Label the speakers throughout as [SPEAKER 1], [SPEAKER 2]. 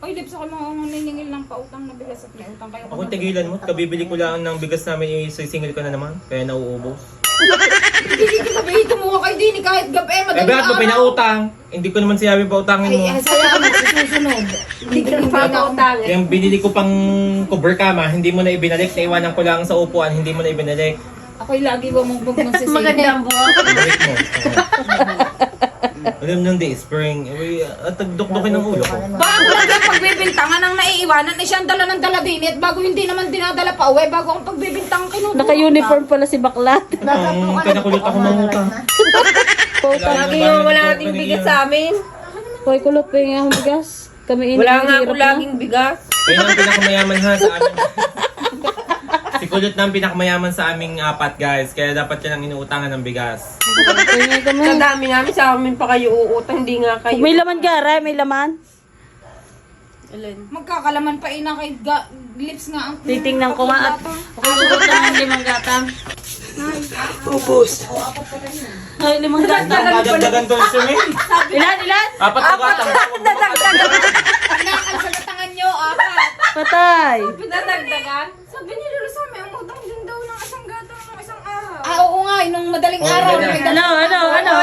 [SPEAKER 1] Oy, Lips, ako mga naningil ng pautang na bigas at may utang kayo.
[SPEAKER 2] Ako tigilan mo, kabibili ko lang ng bigas namin, isisingil ko na naman, kaya nauubos.
[SPEAKER 1] Hindi ko sabihin, tumuha kayo din kahit gabi,
[SPEAKER 2] Eh,
[SPEAKER 1] madaling
[SPEAKER 2] bakit mo pinautang? Hindi ko naman sinabi pautangin mo.
[SPEAKER 1] Ay, saya ka magsusunod. Hindi ko pautang.
[SPEAKER 2] Yung binili ko pang cover kama, hindi mo na ibinalik, naiwanan ko lang sa upuan, hindi mo na ibinalik.
[SPEAKER 1] Ako'y lagi ba mong magsisisi?
[SPEAKER 3] Magandang buwan.
[SPEAKER 2] Ibalik mo. Alam nung day, spring, at tagdukdukin ng ulo ko.
[SPEAKER 1] Bago lang yung pagbibintangan ang naiiwanan, eh siyang dala ng dala din at bago hindi naman dinadala pa uwi, bago ang pagbibintangan kinukuha.
[SPEAKER 4] Naka-uniform pala si Baklat.
[SPEAKER 2] Ang pinakulot ako mangutang.
[SPEAKER 3] Lagi yung wala nating bigas sa amin.
[SPEAKER 4] Hoy, kulot pa yung akong bigas. Kami
[SPEAKER 3] Wala nga ako laging bigas.
[SPEAKER 2] Kaya ang pinakamayaman ha sa amin. Si Kulot na ang pinakamayaman sa aming apat guys, kaya dapat yan ang inuutangan ng bigas.
[SPEAKER 3] Sa dami namin, sa amin pa kayo uutang, hindi nga kayo.
[SPEAKER 4] May laman gara, may laman.
[SPEAKER 3] Alin?
[SPEAKER 1] Magkakalaman pa ina kay Lips nga ang
[SPEAKER 4] Titingnan ko nga at kulot na ng limang gatang. Ay, limang gatang.
[SPEAKER 2] Dadagdagan to siya eh.
[SPEAKER 4] Ilan?
[SPEAKER 2] Apat na gatang.
[SPEAKER 1] Pinakasagatangan nyo, apat.
[SPEAKER 4] Patay.
[SPEAKER 3] Pinadagdagan?
[SPEAKER 1] Sabi ni Lolo sa may umutang din daw ng isang gatang ng isang araw. Ah, oo nga, nung madaling
[SPEAKER 2] Oo,
[SPEAKER 1] araw.
[SPEAKER 2] ganyan.
[SPEAKER 4] Ano?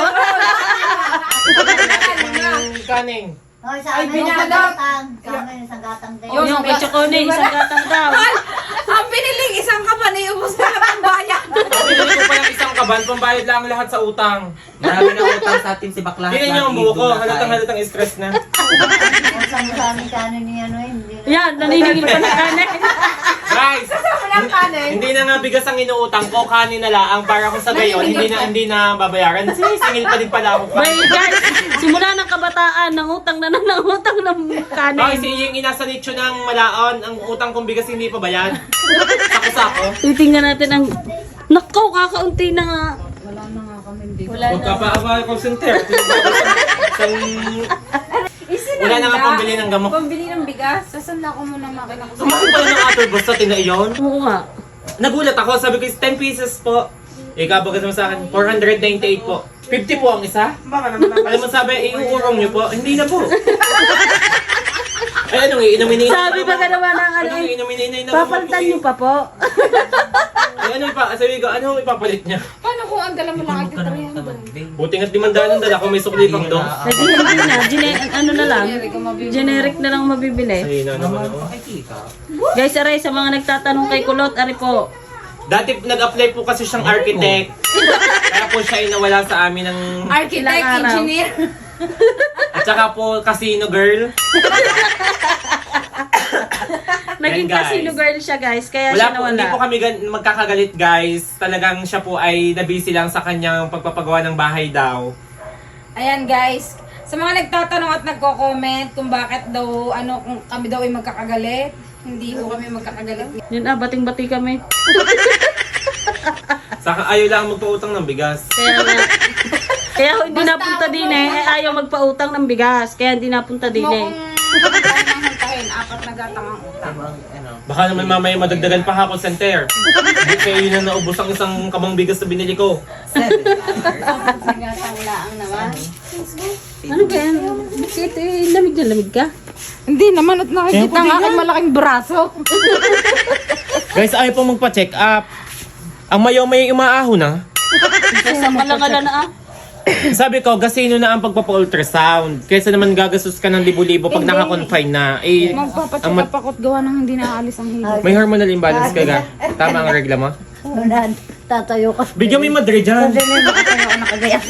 [SPEAKER 2] Kaning.
[SPEAKER 5] Hoy, sa amin isang gatang. Sa amin isang gatang din.
[SPEAKER 4] Yung kay Chocone, isang gatang daw.
[SPEAKER 1] Ang piniling isang kapan, ubos na lang ang bayan.
[SPEAKER 2] Pinili ko pa yung isang kaban, pambayad lang lahat sa utang.
[SPEAKER 6] Marami na utang sa atin si Bakla.
[SPEAKER 2] Tingnan niyo ang buho ko, halatang stress na.
[SPEAKER 5] Kung saan mo sa amin kanin niya, ano hindi.
[SPEAKER 4] Yan, naniningil pa na kanin.
[SPEAKER 2] Guys, hindi na nga bigas ang inuutang ko, kanin na lang para kung sa gayon, hindi na babayaran. Singil pa din pala ako.
[SPEAKER 4] May guys, simula ng kabataan, nangutang ng
[SPEAKER 2] Guys,
[SPEAKER 4] kanin.
[SPEAKER 2] yung inasa nicho ng malaon, ang utang kong bigas hindi pa bayad. Sako-sako.
[SPEAKER 4] Titingnan natin ang... Nakaw, kakaunti na nga.
[SPEAKER 2] Huwag ka pa aba call center. Wala na nga pambili ng gamot.
[SPEAKER 1] Pambili ng bigas, sasanda ko muna makina ko.
[SPEAKER 2] Sumakit pala ng ator basta tinaiyon.
[SPEAKER 4] Oo nga.
[SPEAKER 2] Nagulat ako, sabi ko 10 pieces po. Ikaw bagas mo sa akin, 498 po. 50 po ang isa? Alam mo sabi, iuurong niyo po. Hindi na po. Ay, anong iinumin
[SPEAKER 4] Sabi pa ka naman ng ano
[SPEAKER 2] Anong
[SPEAKER 4] eh.
[SPEAKER 2] iinumin na
[SPEAKER 4] Papalitan niyo pa po.
[SPEAKER 2] Ay, ano pa? Sabi ko, ano ipapalit niya?
[SPEAKER 1] Paano kung ang dala mo lang ay 300?
[SPEAKER 2] Buti nga't 500 ang dala ko, may sukli pang doon.
[SPEAKER 4] Ay, hindi na. Ano na lang. Generic na lang mabibili.
[SPEAKER 2] Ay, na naman ako.
[SPEAKER 4] Guys, aray, sa mga nagtatanong kay Kulot, ari po.
[SPEAKER 2] Dati nag-apply po kasi siyang architect. Kaya po siya inawala sa amin ng...
[SPEAKER 1] Architect,
[SPEAKER 4] Ilang araw?
[SPEAKER 1] engineer.
[SPEAKER 2] At saka po casino girl.
[SPEAKER 4] Naging
[SPEAKER 2] Yan, guys.
[SPEAKER 4] casino girl siya, guys. Kaya
[SPEAKER 2] Wala
[SPEAKER 4] siya
[SPEAKER 2] po, hindi po
[SPEAKER 4] nawala.
[SPEAKER 2] kami magkakagalit guys. Talagang siya po ay nabisi lang sa kanyang pagpapagawa ng bahay daw.
[SPEAKER 1] Ayan guys, sa mga nagtatanong at nagko-comment kung bakit daw, kung kami daw ay magkakagalit, hindi ho kami magkakagalit.
[SPEAKER 4] Yun bating-bati kami.
[SPEAKER 2] Saka ayaw lang magpautang ng bigas.
[SPEAKER 4] Kaya nga. Kaya ako hindi
[SPEAKER 1] Basta
[SPEAKER 4] napunta
[SPEAKER 1] ako
[SPEAKER 4] din
[SPEAKER 1] po,
[SPEAKER 4] eh. Ayaw magpautang ng bigas. Kaya hindi napunta din
[SPEAKER 1] Mo
[SPEAKER 4] eh.
[SPEAKER 1] kung tayo nang hantahin, apat na gatang ang utang.
[SPEAKER 2] Baka naman mamaya madagdagan pa ako center. Hindi kayo yun na naubos ang isang kabang bigas na binili ko.
[SPEAKER 1] Gatang laang naman.
[SPEAKER 4] Ano ba yan? Bakit eh? Lamig na lamig ka?
[SPEAKER 1] Hindi naman at nakikita ang aking malaking braso.
[SPEAKER 2] Guys, ayaw pong magpa-check up. Ang mayaw may umaaho na.
[SPEAKER 4] Sa malangala na ah.
[SPEAKER 2] Sabi ko, gasino na ang pagpapa-ultrasound. Kaysa naman gagastos ka ng libo-libo pag naka-confine na. Eh,
[SPEAKER 1] Magpapacheck
[SPEAKER 2] ang
[SPEAKER 1] up ako't gawa nang hindi naaalis ang hilo.
[SPEAKER 2] may hormonal imbalance ka ga. Tama ang regla mo.
[SPEAKER 5] Wala, tatayo ka.
[SPEAKER 2] Bigyan mo yung Madrid dyan.
[SPEAKER 5] Hindi na makatayo ka nakagayat.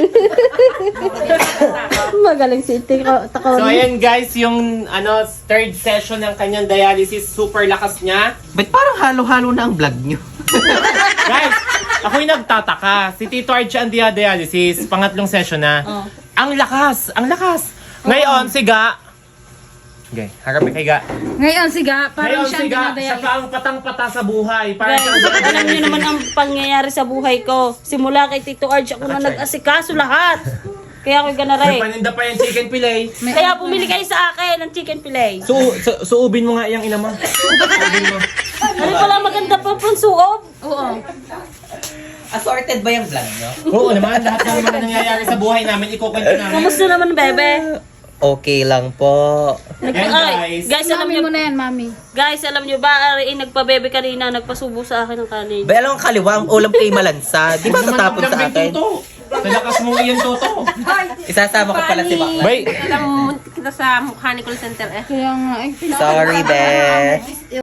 [SPEAKER 4] Magaling si Iti.
[SPEAKER 2] So ayan guys, yung third session ng kanyang dialysis, super lakas niya.
[SPEAKER 6] Ba't parang halo-halo na ang vlog nyo?
[SPEAKER 2] Guys, ako'y nagtataka. Si Tito Archie ang dialysis, pangatlong session na.
[SPEAKER 4] Oh.
[SPEAKER 2] Ang lakas, ang lakas. Ngayon, si Ga. Okay, harapin kay Ga.
[SPEAKER 1] Ngayon siga, parang
[SPEAKER 2] Ngayon,
[SPEAKER 1] siya
[SPEAKER 2] si Ga,
[SPEAKER 1] dinadaya.
[SPEAKER 2] siya pa ang patang-pata sa buhay. Parang
[SPEAKER 4] Guys, alam niyo naman ang pangyayari sa buhay ko. Simula kay Tito Arch, ako na nag-asikaso lahat. Kaya ako'y
[SPEAKER 2] May
[SPEAKER 4] ganaray.
[SPEAKER 2] paninda pa yung chicken fillet.
[SPEAKER 4] Kaya pumili kayo sa akin ng chicken fillet.
[SPEAKER 2] Suubin mo nga yung ina mo. Suubin mo.
[SPEAKER 4] Ano pala maganda pa pang suob?
[SPEAKER 1] Oo.
[SPEAKER 6] Assorted ba yung vlog nyo?
[SPEAKER 2] Oo naman, lahat ng mga nangyayari sa buhay namin, ikukwento namin.
[SPEAKER 4] Kamusta naman, bebe?
[SPEAKER 6] Okay lang po.
[SPEAKER 2] Yan, guys.
[SPEAKER 4] Guys, alam
[SPEAKER 1] Mami
[SPEAKER 4] niyo,
[SPEAKER 1] mo na yan, mami.
[SPEAKER 4] guys, alam niyo ba, Ari, nagpabebe kanina, nagpasubo sa akin ng kanin.
[SPEAKER 6] Ba, alam ang kaliwa, ang ulam kay Malansa. Di ba tatapon sa akin?
[SPEAKER 2] Talakas mong iyan, Toto.
[SPEAKER 6] Isasama ko pala si Bakla.
[SPEAKER 2] Bay,
[SPEAKER 3] Alam mo, muntik kita sa mukha ni call center eh.
[SPEAKER 1] Kaya nga, eh.
[SPEAKER 6] Sorry, be.